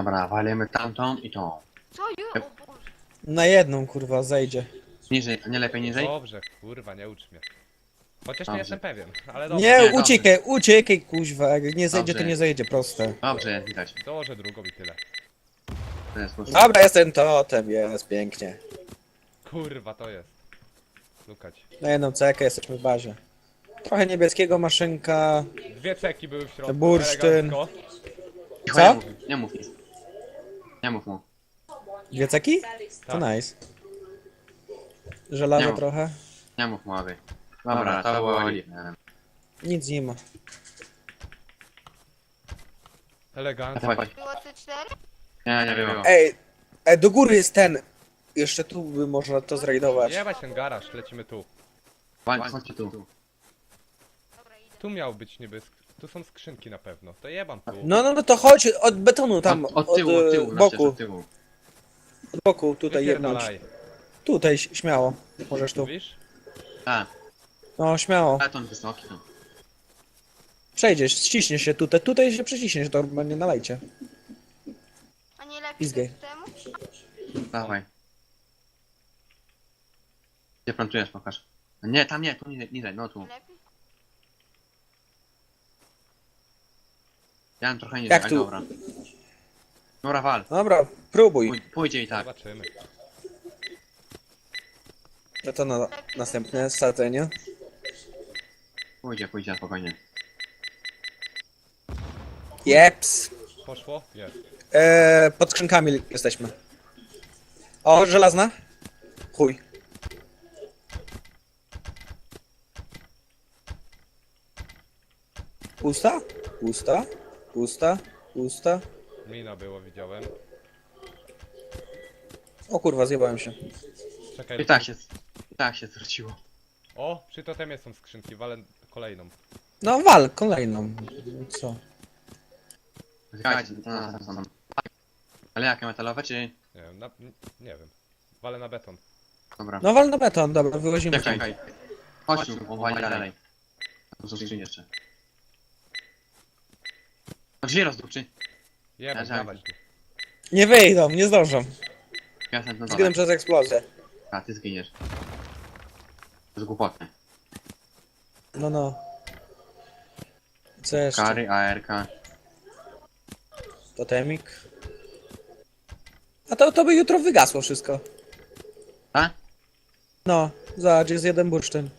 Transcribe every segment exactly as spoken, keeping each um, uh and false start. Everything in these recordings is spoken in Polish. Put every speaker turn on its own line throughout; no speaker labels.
Dobra, walimy tamtą i tą.
Co już? O Boże.
Na jedną kurwa zejdzie.
Niżej, nie lepiej niżej?
Dobrze, kurwa, nie ucz mnie. Chociaż nie
Dobrze.
jestem pewien, ale dobrze.
Nie,
nie,
uciekaj, uciekaj kuźwa, jak nie zejdzie to
Dobrze.
nie zejdzie, proste.
Dobrze, jest widać.
Dołożę drugą i tyle.
To jest słuszne.
Dobra, jest ten totem, jest pięknie.
Kurwa, to jest. Lukać.
Na jedną cekę jesteśmy w bazie. Trochę niebieskiego maszynka.
Dwie ceki były w środku.
Bursztyn.
elegancko.
Cicho,
Co?
Nie mów, nie mów nic. Nie mów mu.
Dwie ceki? To
Tak.
nice. Żelazo
Nie.
trochę.
Nie mów mu, aby. Dobra, to było oliwne.
Nic nie ma.
Elegancko.
Chodź.
Było C cztery?
Nie, nie było.
Ej, ej, do góry jest ten. Jeszcze tu by można to zrajdować.
Jebać ten garaż, lecimy tu.
Chodź, chodź tu.
Dobra, idę.
Tu miał być niby, sk- tu są skrzynki na pewno. To jebam tu.
No, no, no to chodź od betonu tam,
Od, od tyłu,
od,
od
e,
tyłu, na
boku,
ścieżce, od tyłu.
od boku, tutaj jedną.
Wypierdalaj.
Tutaj, ś- śmiało. Możesz tu.
Mówisz?
Tak,
No, śmiało.
beton wysoki. No.
Przejdziesz, ściśniesz się tutaj, tutaj się przeciśniesz, to normalnie nalejcie.
A nie lepiej
Pizgaj.
tak temu?
Dawaj. Gdzie plantujesz, pokaż. Nie, tam nie, tu niżej, niżej, no tu.
Nie lepiej?
Ja mam trochę niżej,
Jak
ale
tu?
dobra. Dobra, wal.
Dobra, próbuj.
Pój, pójdzie i tak.
Zobaczymy.
No to na następne sadzenie.
Pójdzie, pójdzie, spokojnie.
Jeps.
Poszło? Jest.
Eee, pod skrzynkami jesteśmy. O, żelazna? Chuj. Pusta? Pusta? Pusta? Pusta?
Mina było, widziałem.
O kurwa, zjebałem się.
Czekaj.
I tak się, i tak się zwróciło.
O, przy totemie są skrzynki, walę kolejną.
No wal, kolejną. Co?
Czekajcie, to na nas są. Ale jakie, metalowe czy...
Nie wiem, na, n- nie wiem. Walę na beton.
Dobra.
No wal na beton, dobra, wyłazimy.
Czekaj, czekaj. Chodź tu, powali dalej. To są skrzynie jeszcze. No drzwi rozdupczy.
Jebać,
Ja
dawać tu.
Nie wyjdą, nie zdążą.
Ja jestem na
Zginę
dole.
przez eksplozję.
A, ty zginiesz. To jest głupotne.
No, no. Co jeszcze?
Kary, A R K.
Totemik. A to, to by jutro wygasło wszystko.
Tak?
No, zobacz, jest jeden bursztyn.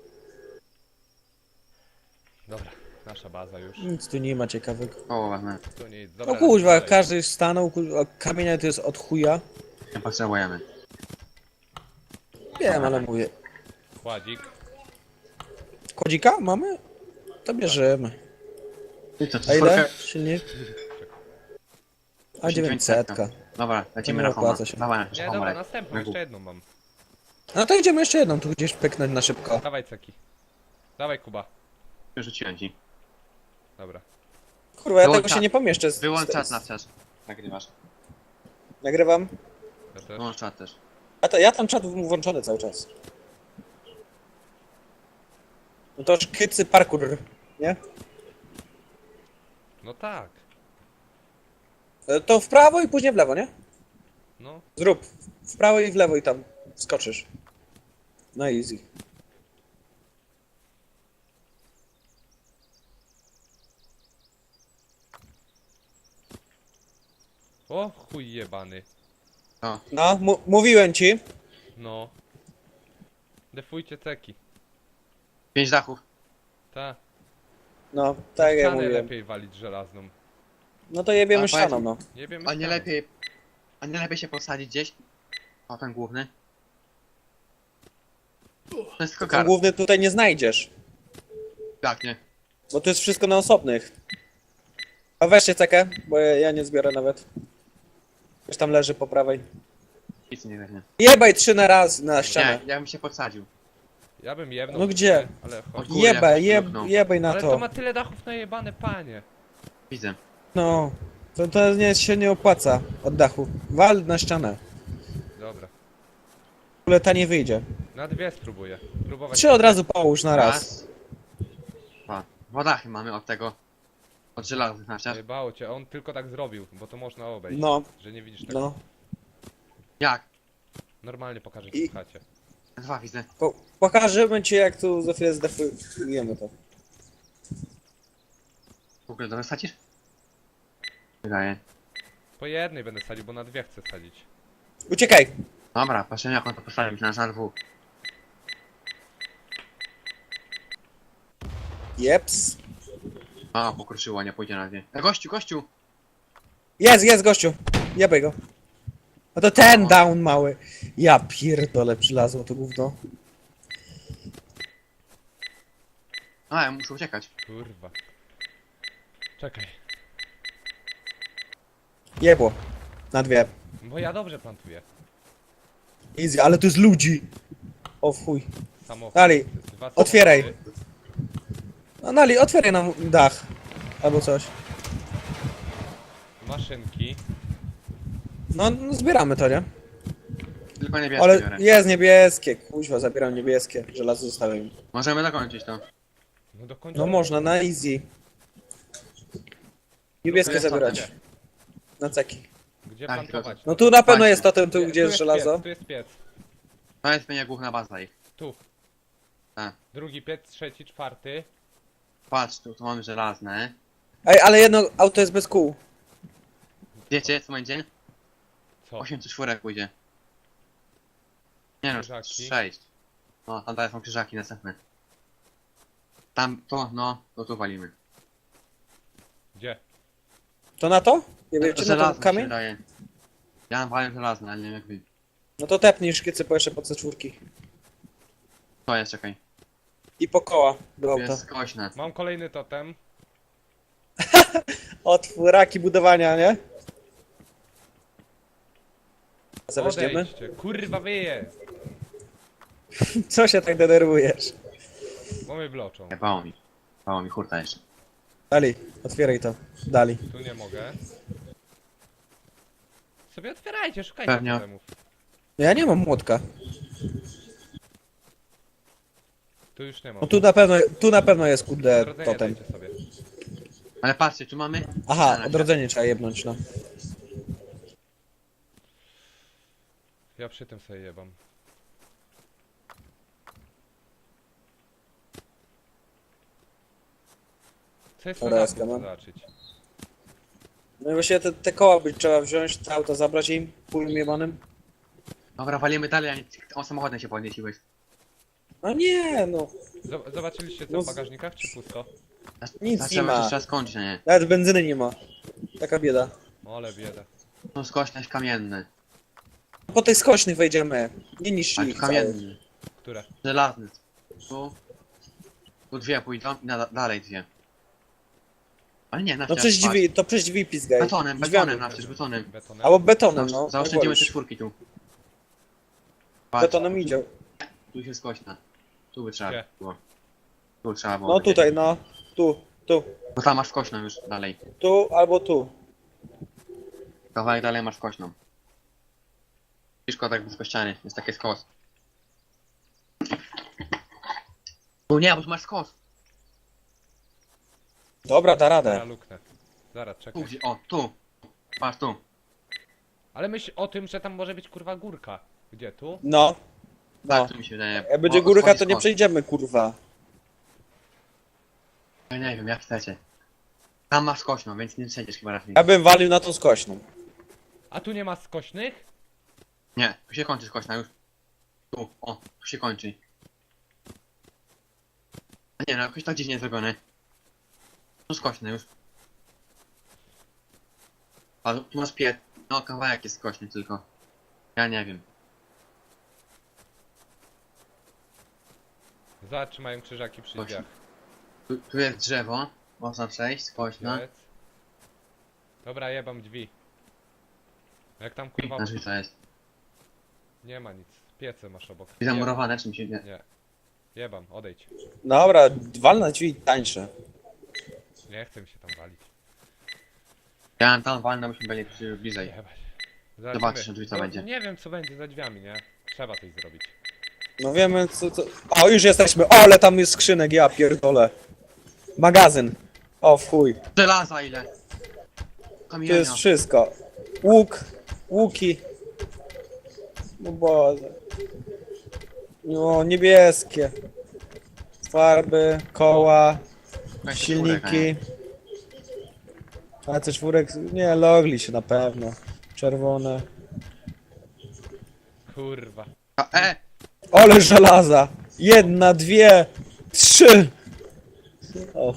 Dobra, nasza baza już.
Nic tu nie ma ciekawego.
O, wezmę.
Tu nic. Dobra,
No kuźwa,
dalej.
każdy stanął, kuźwa, kamienia to jest od chuja.
Nie potrzebujemy.
Wiem, ale mówię.
Kładzik.
Kodzika mamy? To bierzemy.
I co, to
A ile?
czwórka?
Silnik? A
dziewięćset.
dziewięćsetka.
Dobra, lecimy
nie
na homa.
opłaca się.
Dawaj,
Nie,
homa
dobra,
leć.
następną,
Na
jeszcze
górę.
jedną mam.
No to idziemy jeszcze jedną tu gdzieś pyknąć na szybko.
Dawaj ceki. Dawaj Kuba.
Wyrzuciłem ci.
Dobra.
Kurwa, ja
Wyłącz
tego się
czat.
nie pomieszczę. z-
Wyłącz
z-
czat na wczas. Nagrywasz.
Nagrywam.
Ja też.
Wyłącz czat też.
A to ja tam czat włączony cały czas. No to szkycy parkour, nie?
No tak.
E, To w prawo i później w lewo, nie?
No.
Zrób. W prawo i w lewo i tam skoczysz. No easy.
O, chuj jebany.
O,
No, mu- mówiłem ci.
No. Defujcie ceki.
pięć dachów.
Ta.
No, tak jak ja
Ścianę
mówiłem.
lepiej walić żelazną.
No to jebiemy
A
ścianą,
powiedz-
no.
Nie wiem.
A nie lepiej... A nie lepiej się posadzić gdzieś? O, ten główny. To jest tylko
Ten
kar.
główny tutaj nie znajdziesz.
Tak, nie.
Bo to jest wszystko na osobnych. A weźcie cekę, bo ja, ja nie zbiorę nawet. Już tam leży po prawej.
Nic nie weźmie.
Jebaj trzy na raz na ścianę.
Nie, ja bym się podsadził.
Ja bym jebnął.
No gdzie?
Ale
O
chodź.
kurde,
Jebaj,
jakoś
jeb,
luknął.
jebaj na
Ale to
to.
ma tyle dachów najebane, panie.
Widzę.
No. To, to nie, się nie opłaca od dachu. Wal na ścianę.
Dobra.
W ogóle ta nie wyjdzie.
Na dwie spróbuję. Próbować.
Trzy od razu połóż na raz.
Dwa. Dwa dachy mamy od tego. Od żelaznych na ścian.
Jebało cię, on tylko tak zrobił, bo to można obejść.
No,
Że nie widzisz tego.
no.
Jak?
Normalnie pokażę
I-
ci w chacie.
Dwa widzę.
Po, pokażemy ci, jak tu za chwilę zdefujemy to.
W ogóle dobrze sadzisz? Wydaje.
Po jednej będę sadził, bo na dwie chcę sadzić.
Uciekaj!
Dobra, patrzę jak on to postawił, myślałem, że na dwóch.
Jeps.
A, pokruszyło, nie pójdzie na dwie. E, gościu, gościu!
Jest, jest, gościu. Jebaj go. No to ten down mały. Ja pierdolę, przylazło to gówno.
A, ja muszę uciekać.
Kurwa. Czekaj.
Jebło. Na dwie.
Bo ja dobrze plantuję.
Easy, ale to jest ludzi. O w chuj.
Samochód.
Dalej.
Dwa
Otwieraj.
samochody.
No Nali, otwieraj nam dach. Albo coś.
Maszynki.
No, no zbieramy to, nie?
Tylko niebieskie
Ale
biorę.
jest niebieskie. Kuźwa, zabieram niebieskie. Żelazo zostawiam.
Możemy dokończyć to.
No do końca.
No można, na easy. Niebieskie
jest
zabierać.
totem.
Na ceki.
Gdzie
Tak,
plantować?
No tu na pewno
Właśnie.
jest totem, tu
Nie,
gdzie jest żelazo.
Piec, tu jest piec.
To jest mnie główna baza ich.
Tu.
Tak.
Drugi piec, trzeci, czwarty.
Patrz, tu, tu mamy żelazne.
Ej, ale jedno auto jest bez kół.
Wiecie, co będzie?
Co?
osiem czy czwórek pójdzie. Nie no,
Krzyżaki.
sześć. No, tam dalej są krzyżaki następne. Tam, to, no, to tu walimy.
Gdzie?
To na to? Nie wiecie, na to
Żelazne się
kamień?
wydaje. Ja mam walę żelazne, ale nie wiem jak wy.
No to tepnij szkicy po jeszcze po C cztery.
To jest, czekaj.
I po koła do
Tu
auta.
jest kośne.
Mam kolejny totem.
Otwóraki budowania, nie? Zaweźmiemy?
Odejdźcie. Kurwa wyje.
Co się tak denerwujesz?
Bo mnie bloczą.
Nie, bało mi. Bało mi hurta jeszcze.
Dali, otwieraj to. Dali.
Tu nie mogę. Sobie otwierajcie, szukajcie
Pewnie.
totemów.
Ja nie mam młotka.
Tu już nie mam.
No tu na pewno, tu na pewno jest kurde
Odrodzenie
totem.
dajcie sobie.
Ale patrzcie, tu mamy...
Aha,
Na
odrodzenie trzeba jebnąć, no.
Ja przy tym sobie jebam. Co jest
Dobra,
na
ja
dół,
skam.
zobaczyć?
No i właśnie te, te koła by trzeba wziąć, te auto zabrać im, pulm jebanym.
Dobra, walimy dalej, a nie... On samochodem się podnieciłeś.
No nie, no.
Zob- Zobaczyliście co
No
w
z-
bagażnikach, czy pusto?
Nic
Znaczy,
nie
może
ma.
trzeba skończyć, a nie?
Nawet benzyny nie ma. Taka bieda.
Ale bieda.
Tu skośność kamienny.
Po tych skośnych wejdziemy. Nie niż
Ale
ich
tu
całych.
kamienny.
Które?
Żelazny. Tu... Tu dwie pójdą i na, dalej dwie. Ale nie, na
No przez drzwi, to przez drzwi pizgaj.
Betonem,
Drzwiami.
betonem na przecież, betonem.
Betonem?
Albo betonem, no.
Zaosz- Zaoszczędzimy
albo
te
już.
czwórki tu. Patrz,
Betonem idzie.
tu się skośna. Tu by trzeba
Gdzie?
było. Tu trzeba było.
No tutaj, no. Tu, tu.
Bo tam masz skośną już dalej.
Tu albo tu.
Kawałek dalej masz kośną. Ciężko tak blisko ściany, jest taki skos. No nie, bo tu masz skos.
Dobra, da
Ja
radę.
luknę. Zaraz,
Tu
czekaj.
gdzie, o, tu. Patrz tu.
Ale myśl o tym, że tam może być kurwa górka. Gdzie, tu?
No. No.
Tak, tu mi się wydaje.
Jak będzie
O,
górka,
schodzi
to nie
skos.
przejdziemy, kurwa.
Ja nie wiem, jak chcecie. Tam masz kośną, więc nie przejdziesz chyba raczej.
Ja bym walił na tą skośną.
A tu nie ma skośnych?
Nie, tu się kończy skośna już. Tu, o, tu się kończy. A nie, no jakoś tak dziwnie zrobione. Tu skośne już. A tu masz piec. No, kawałek jest skośny tylko. Ja nie wiem.
Zobacz, czy mają krzyżaki przy
Właśnie.
drzwiach.
Tu, tu jest drzewo. Można przejść, skośna.
Piec. Dobra, jebam drzwi. Jak tam kurwa...
Na drzwi to jest.
Nie ma nic. Piece masz obok.
I zamurowane, czy mi się nie...
Nie. Jebam, odejdź.
Dobra, wal na drzwi tańsze.
Nie chcę mi się tam walić.
Ja mam tam walnę, byśmy byli przy- bliżej.
Jebać.
Zobaczysz, drzwi co
No,
będzie.
Nie wiem co będzie za drzwiami, nie? Trzeba coś zrobić.
No wiemy co, co... O, już jesteśmy. O, ale tam jest skrzynek, ja pierdolę. Magazyn. O, w chuj.
Żelaza ile?
Tu
Kamienia.
jest wszystko. Łuk, łuki. No Boże. No, niebieskie. Farby, koła,
Weź te czwórek, a nie?
silniki. A coś czwórek? Nie, logli się na pewno. Czerwone.
Kurwa.
A, e!
Ole żelaza! Jedna, dwie, trzy! O,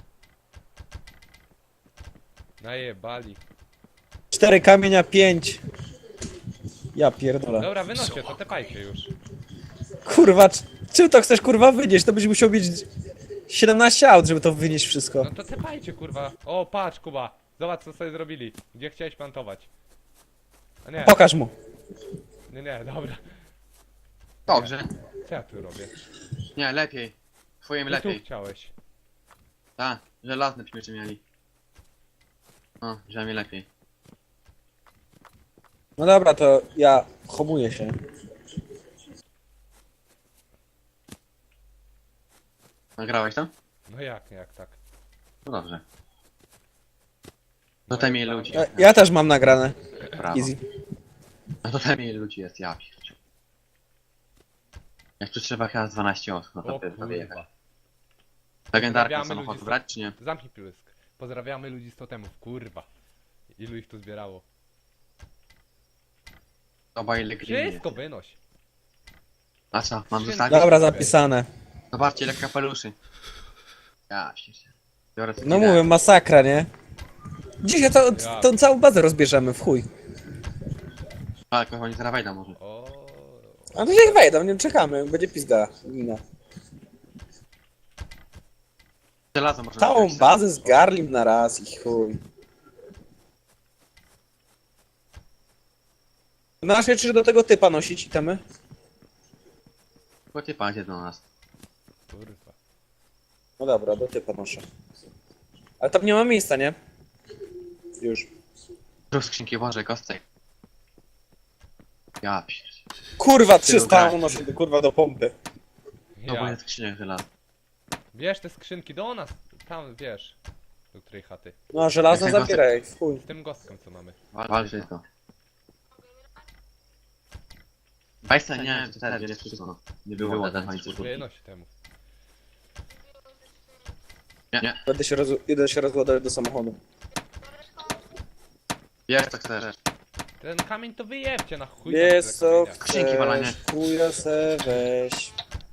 Najebali.
cztery kamienia, pięć. Ja pierdolę.
Dobra, wynoście, to tepajcie już.
Kurwa, c- czym to chcesz kurwa wynieść? To byś musiał mieć siedemnaście aut, żeby to wynieść wszystko.
No to tepajcie, kurwa. O, patrz, Kuba. Zobacz, co sobie zrobili. Gdzie chciałeś plantować. A nie,
Pokaż mu.
nie, nie, dobra.
Dobrze.
Co ja tu robię?
Nie, lepiej. Twoim
Ty tu
lepiej.
chciałeś.
Tak, żelazne śmiecze mieli. O, że mi lepiej.
No dobra, to ja homuję się.
Nagrałeś to?
No jak, jak tak?
No dobrze. No te mniej ludzi.
Ja, ja też mam nagrane.
Brawo.
Easy.
No to te mniej ludzi jest, ja pierdziu. Jak tu trzeba chyba z dwanaście osób, no to
O
wtedy to wyjechać.
kurwa.
Legendarkę
Pozdrawiamy
samochodu
ludzi z-
brać czy nie?
Zamknij pysk. Pozdrawiamy ludzi z totemów, kurwa. Ilu ich tu zbierało?
Oba ile green jest.
Wszystko wynoś.
A co, mam
Wszystko.
zostawić?
Dobra, zapisane.
Zobaczcie ile kapeluszy. Ja pierdziu. Biorę sobie
No
ideę.
mówię, masakra, nie? Dzisiaj to,
Ja.
tą całą bazę rozbierzemy, w chuj.
A, jak oni zaraz wejdą może.
O.
A no niech wejdą, nie czekamy, będzie pizga. Gina.
Żelazo może
Całą
napisać.
bazę zgarlim na raz i chuj. Masz jeszcze do tego typa nosić itemy?
Bo ty padzie do nas.
Kurwa.
No dobra, do typa noszę. Ale tam nie ma miejsca, nie? Już.
Zrób skrzynki, Boże, kostek. Ja pierdziu.
Kurwa, trzysta
grać.
unoszę do, kurwa do pompy.
No bo
Ja.
jest skrzyniak żelaza.
Bierz te skrzynki do nas. Tam, wiesz. Do której chaty.
No a żelazno
Jak ten
zabieraj, w chuj.
Z tym gostkiem, co mamy.
Wal, wal wszystko. Bajsa nie, to teraz jest wszystko, no. Nie było za dwa
Wynoś temu.
Nie, nie.
Będę się, roz... Idę się rozładować do samochodu.
Jest co chcesz.
Ten kamień to wyjebcie na chuj.
Jest
tam
co
tyle kamienia.
Skrzynki walanie.
chcesz, chuja se weź.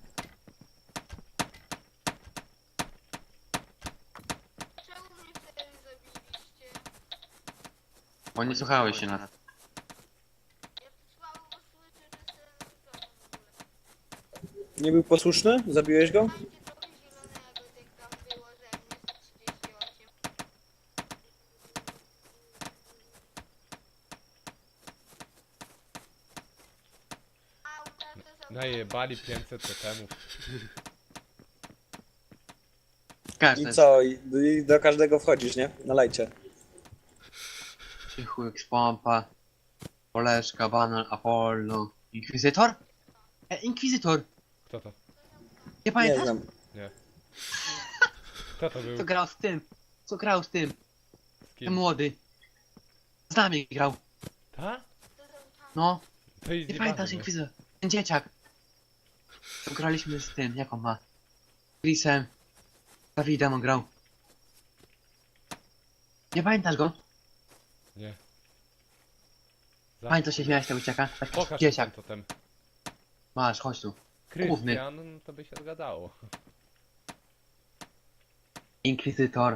Czemu mnie wtedy zabiliście?
Bo nie słuchałeś się nas.
Ja tu słabo was słyszę, że jestem w ogóle.
Nie był posłuszny? Zabiłeś go?
Macie trochę zielonego, jak tam było ze mnie sto trzydzieści osiem. Auta to są...
Najebali pięćset totemów.
Każdy
I co? I, I do każdego wchodzisz, nie? Na lajcie.
Cichu, X-Pompa, Poleszka, Banal, Apollo, Inkwizytor? E, Inkwizytor!
Kto to?
Nie
Nie
pamiętasz?
znam.
Kto to był?
Co grał z tym? Co grał z tym?
Z
Ten
kim?
młody. Z nami grał.
Ta?
No,
To jest
nie pamiętasz Inkwizytor? Ten dzieciak. To graliśmy z tym, jak on ma? Chrisem. Dawidem on grał. Nie pamiętasz go?
Nie. Za-
Pamiętasz się śmiałeś tego dzieciaka? Taki
Pokaż ten
dzieciak.
totem.
Masz, chodź tu. Główny.
Krystian, to by się zgadzało.
Inkwizytor.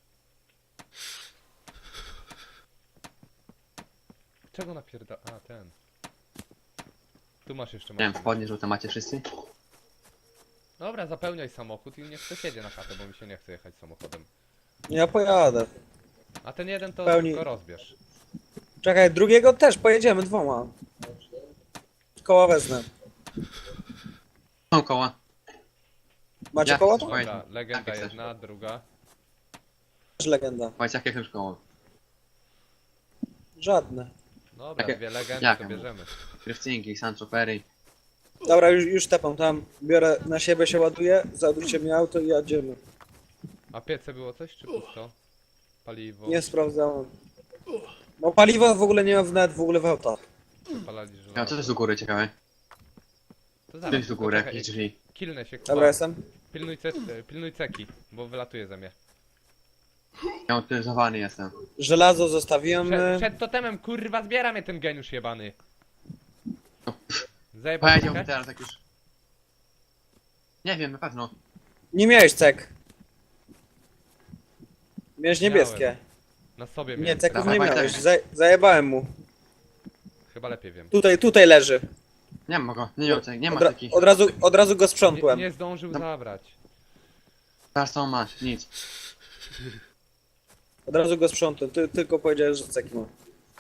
Czego napierda... A, ten. Tu masz jeszcze
Nie wiem,
maszynę.
spodnie żółte macie wszyscy?
Dobra, zapełniaj samochód i niech ktoś jedzie na chatę, bo mi się nie chce jechać samochodem.
Ja pojadę.
A ten jeden to
Pełni-
tylko rozbierz.
Czekaj, drugiego też pojedziemy dwoma. Koła wezmę.
Są koła.
Macie
Ja-
koła to?
Oj,
Dobra, legenda
tak, jak
jedna, druga.
Też legenda.
Powiedz jakie chcesz koło.
Żadne.
Dobra,
Jakie-
dwie legendy
jakie
to
mówię?
bierzemy.
Kryftynki, Sancho Perry.
Dobra, już, już tepam tam. Biorę na siebie, się ładuję. Załadujcie mi auto i jedziemy.
A piece było coś, czy pusto? Paliwo,
Nie sprawdzałem. No paliwa w ogóle nie ma w nawet w ogóle w autach.
palali
Ja, co
żelazo.
to jest do góry, ciekawe?
To
Co
zaraz,
jest do góry,
poczekaj,
jakieś drzwi?
Kilnę się, Kuba.
Dobra, jestem.
Pilnuj, ce pilnuj ceki, bo wylatuje ze mnie.
Ja autoryzowany jestem.
Żelazo zostawiłem.
Przed, przed totemem, kurwa, zbiera mnie ten geniusz jebany.
No,
Zajebał
Powiedział mi
cekę?
teraz jak już... Nie wiem, na pewno.
Nie miałeś cek. Miałeś
Miałem.
niebieskie.
Na sobie
Nie,
miałem.
ceków
Dawaj,
nie
dawaj,
miałeś.
dawaj.
Zaj zajebałem mu.
Chyba lepiej wiem.
Tutaj, tutaj leży.
Nie ma go, nie, nie, nie ma
Od, ra
takich.
od, razu, od razu go
Nie,
sprzątłem.
nie zdążył
No.
zabrać.
Teraz co masz? Nic.
Od razu go sprzątłem. Ty, tylko powiedziałeś, że ceki ma.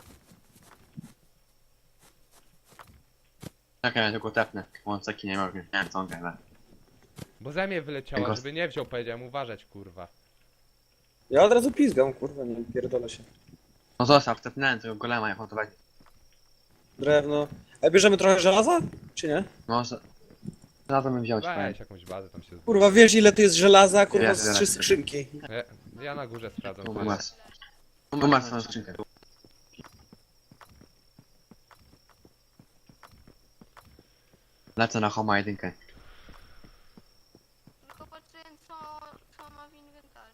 Czekaj, ja tylko tepnę. Bo on taki nie mogę. Nie wiem co on gada.
Bo ze mnie wyleciała,
Tego-
żeby nie wziął, powiedziałem uważać, kurwa.
Ja od razu pizgam, kurwa, nie pierdolę się.
No zostaw, tepnąłem tego golema, jak on to weźmie.
Drewno. A bierzemy trochę żelaza? Czy nie?
Może... Zaraz bym wziął ci powiem.
Weź jakąś bazę tam się
Kurwa, wiesz ile to jest żelaza? Kurwa,
Jest,
z
jest,
trzy
jest.
skrzynki.
Ja, ja na górze sprawdzam.
Tu
co jest.
masz. Tu masz swoją skrzynkę. Lecę na Homa jedynkę.
Tylko patrzyłem co, co ma w inwentarzu.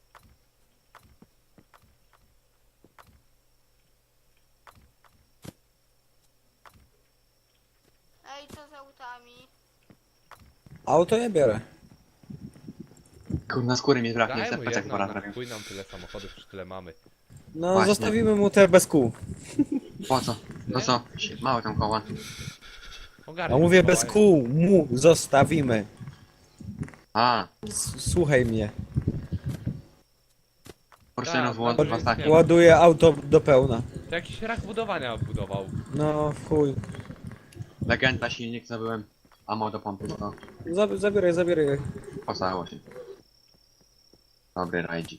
Ej, co z autami?
Auto ja biorę.
Kurna skóry mi braknie,
Daj
chcę
mu
plecak
jedną,
pora
na
zrobił.
chuj nam tyle samochodów, już tyle mamy.
No,
Właśnie.
zostawimy mu te bez kół.
Po co? No co? Małe tam koła.
Ogarnij
A mówię
Mikołaj.
bez kół, mu zostawimy.
A,
S Słuchaj mnie.
Porsche
Tak,
włącz
tak,
dwa
tak.
staki.
Ładuję auto do pełna.
To jakiś rak budowania budował.
No, w chuj.
Legenda, silnik zabyłem. Amo do pompy, to
Zab zabieraj, zabieraj.
pocało się. Dobry rajdzik.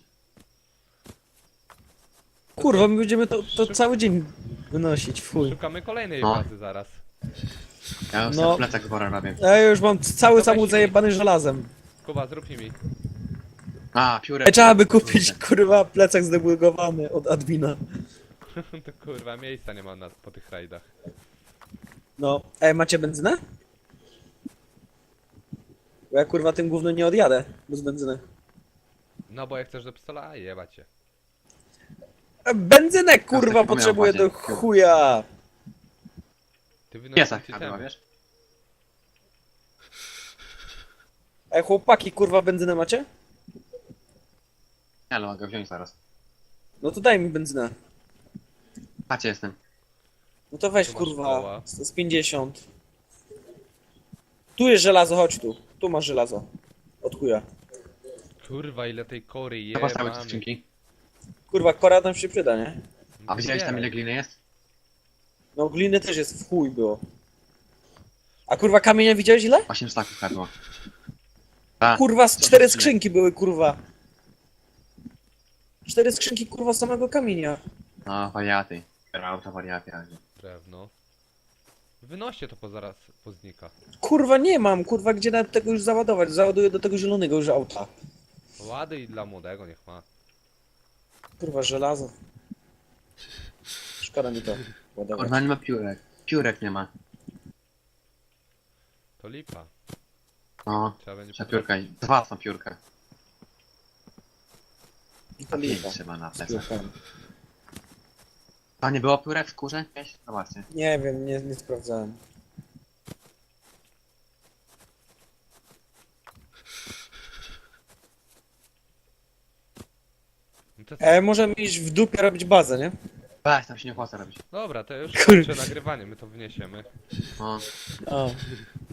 Kurwa, my będziemy to, to cały dzień wynosić, w chuj.
Szukamy kolejnej
No.
bazy zaraz.
Ja już
No.
no. plecak zbora robię.
Ja już mam cały
To
samochód
weź mi.
zajebany żelazem.
Kuba, zrób mi.
A, piórek.
Ej, trzeba by kupić, kurwa, plecak zdebugowany od admina.
To kurwa, miejsca nie ma na, po tych rajdach.
No. Ej, macie benzynę? Bo ja kurwa tym gówno nie odjadę bez benzyny.
No bo jak chcesz do pistola, a jebać cię.
E, Benzynę kurwa
taki
potrzebuję
miał
do
właśnie.
chuja.
Ty
Piesa
wynosisz
chyba, wiesz?
Ej, chłopaki, kurwa, benzynę macie?
Nie, ale mogę wziąć zaraz.
No to daj mi benzynę.
Patrzcie, jestem.
No to weź
Tu masz
kurwa,
koła.
z z pięćdziesiąt. Tu jest żelazo, chodź tu. Tu masz żelazo. Od chuja.
Kurwa, ile tej kory
Co postawić
jebamy.
skrzynki?
Kurwa, kora nam się przyda, nie?
A widziałeś tam ile
Zbieraj.
gliny jest?
No gliny też jest w chuj było. A kurwa kamienia widziałeś ile?
osiem staków hadło. A,
Kurwa, z
co
cztery
za
skrzynki były, kurwa. Cztery skrzynki, kurwa, samego kamienia.
no wariaty. Auto wariaty.
Drewno. Wynoście to po zaraz poznika.
Kurwa, nie mam, kurwa, gdzie nawet tego już załadować. Załaduję do tego zielonego już auta.
Łady i dla młodego niech ma.
Kurwa, żelazo. Szkoda mi to ładować.
Kurwa, nie ma piórek. Piórek nie ma.
To lipa.
No,
Trzeba będzie
trzeba piórka. i- Dwa są piórka.
To
A pięć
lipa.
trzeba na
Z
plecach.
piórkami.
A nie było piórek w skórze? Jakieś? Zobaczcie.
Nie wiem, nie, nie sprawdzałem.
No to co?
E, możemy iść w dupie robić bazę, nie?
Weź, tam się nie opłaca robić.
Dobra, to już
Kur-
kończę nagrywanie, my to wniesiemy.
No.
O.